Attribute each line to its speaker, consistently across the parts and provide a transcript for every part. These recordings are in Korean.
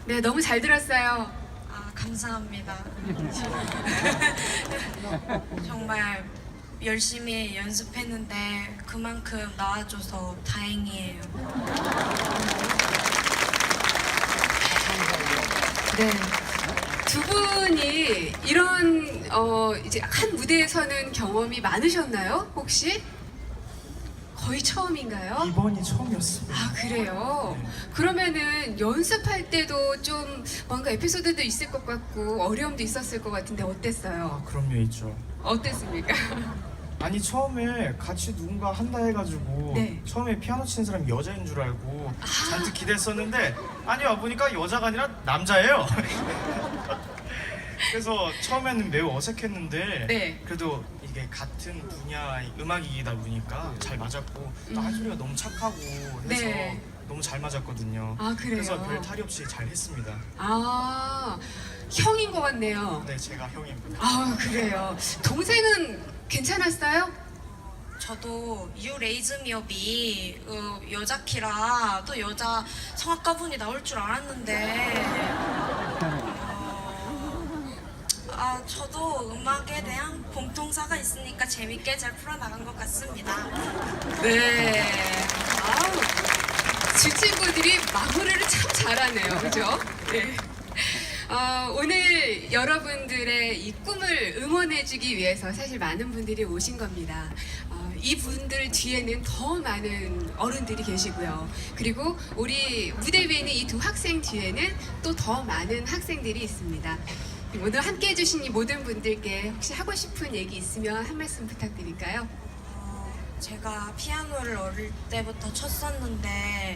Speaker 1: 네, 너무 잘 들었어요.
Speaker 2: 아, 감사합니다. 정말 열심히 연습했는데 그만큼 나와줘서 다행이에요.
Speaker 1: 네. 두 분이 이런 이제 한 무대에 서는 경험이 많으셨나요? 혹시? 거의 처음인가요?
Speaker 3: 이번이 처음이었습니다.
Speaker 1: 아, 그래요? 그러면은 연습할 때도 좀 뭔가 에피소드도 있을 것 같고 어려움도 있었을 것 같은데 어땠어요?
Speaker 3: 아, 그럼요, 있죠.
Speaker 1: 어땠습니까?
Speaker 3: 아니, 처음에 같이 누군가 한다 해가지고
Speaker 1: 네.
Speaker 3: 처음에 피아노 치는 사람이 여자인 줄 알고 잔뜩 기대했었는데 아니, 와보니까 여자가 아니라 남자예요. 그래서 처음에는 매우 어색했는데
Speaker 1: 네.
Speaker 3: 그래도 이게 같은 분야의 음악이다 보니까 잘 맞았고 또 한소리가 너무 착하고 해서
Speaker 1: 네.
Speaker 3: 너무 잘 맞았거든요.
Speaker 1: 아, 그래요?
Speaker 3: 그래서 별 탈이 없이 잘 했습니다.
Speaker 1: 아, 형인 것 같네요.
Speaker 3: 네, 제가 형입니다.
Speaker 1: 아, 그래요. 동생은 괜찮았어요?
Speaker 2: 저도 You Raise Me Up이 여자 키라 또 여자 성악가분이 나올 줄 알았는데 저도 음악에 대한 공통사가 있으니까 재밌게 잘 풀어나간 것 같습니다.
Speaker 1: 네. 아우, 주 친구들이 마무리를 참 잘하네요. 그죠? 네. 오늘 여러분들의 이 꿈을 응원해주기 위해서 사실 많은 분들이 오신 겁니다. 이 분들 뒤에는 더 많은 어른들이 계시고요. 그리고 우리 무대 위에 있는 이 두 학생 뒤에는 또 더 많은 학생들이 있습니다. 오늘 함께 해주신 이 모든 분들께 혹시 하고 싶은 얘기 있으면 한 말씀 부탁드릴까요?
Speaker 2: 제가 피아노를 어릴 때부터 쳤었는데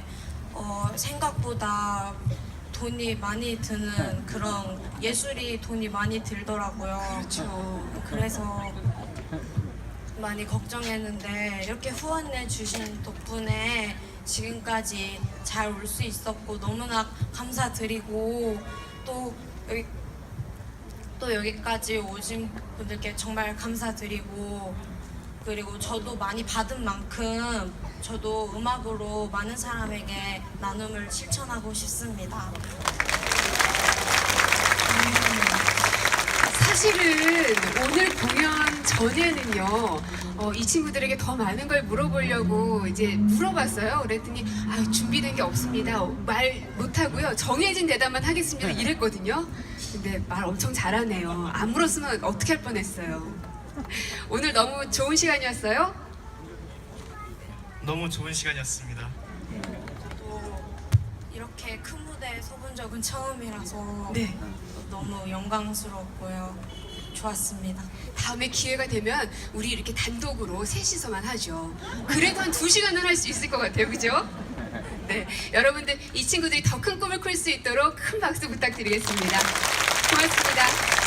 Speaker 2: 생각보다 돈이 많이 드는 그런 예술이 돈이 많이 들더라고요.
Speaker 1: 그렇죠.
Speaker 2: 그래서 많이 걱정했는데 이렇게 후원해 주신 덕분에 지금까지 잘 올 수 있었고 너무나 감사드리고 또 여기까지 오신 분들께 정말 감사드리고 그리고 저도 많이 받은 만큼 저도 음악으로 많은 사람에게 나눔을 실천하고 싶습니다.
Speaker 1: 사실은 오늘 공연 전에는요, 이 친구들에게 더 많은 걸 물어보려고 이제 물어봤어요. 그랬더니 준비된 게 없습니다. 말 못하고요. 정해진 대답만 하겠습니다. 이랬거든요. 근데 말 엄청 잘하네요. 안 물었으면 어떻게 할 뻔했어요. 오늘 너무 좋은 시간이었어요?
Speaker 3: 너무 좋은 시간이었습니다.
Speaker 2: 또 이렇게 큰 무대에 서본 적은 처음이라서
Speaker 1: 네.
Speaker 2: 너무 영광스럽고요. 좋았습니다.
Speaker 1: 다음에 기회가 되면 우리 이렇게 단독으로 셋이서만 하죠. 그래도 한 2시간은 할 수 있을 것 같아요. 그죠? 네. 여러분들 이 친구들이 더 큰 꿈을 꿀 수 있도록 큰 박수 부탁드리겠습니다. 고맙습니다.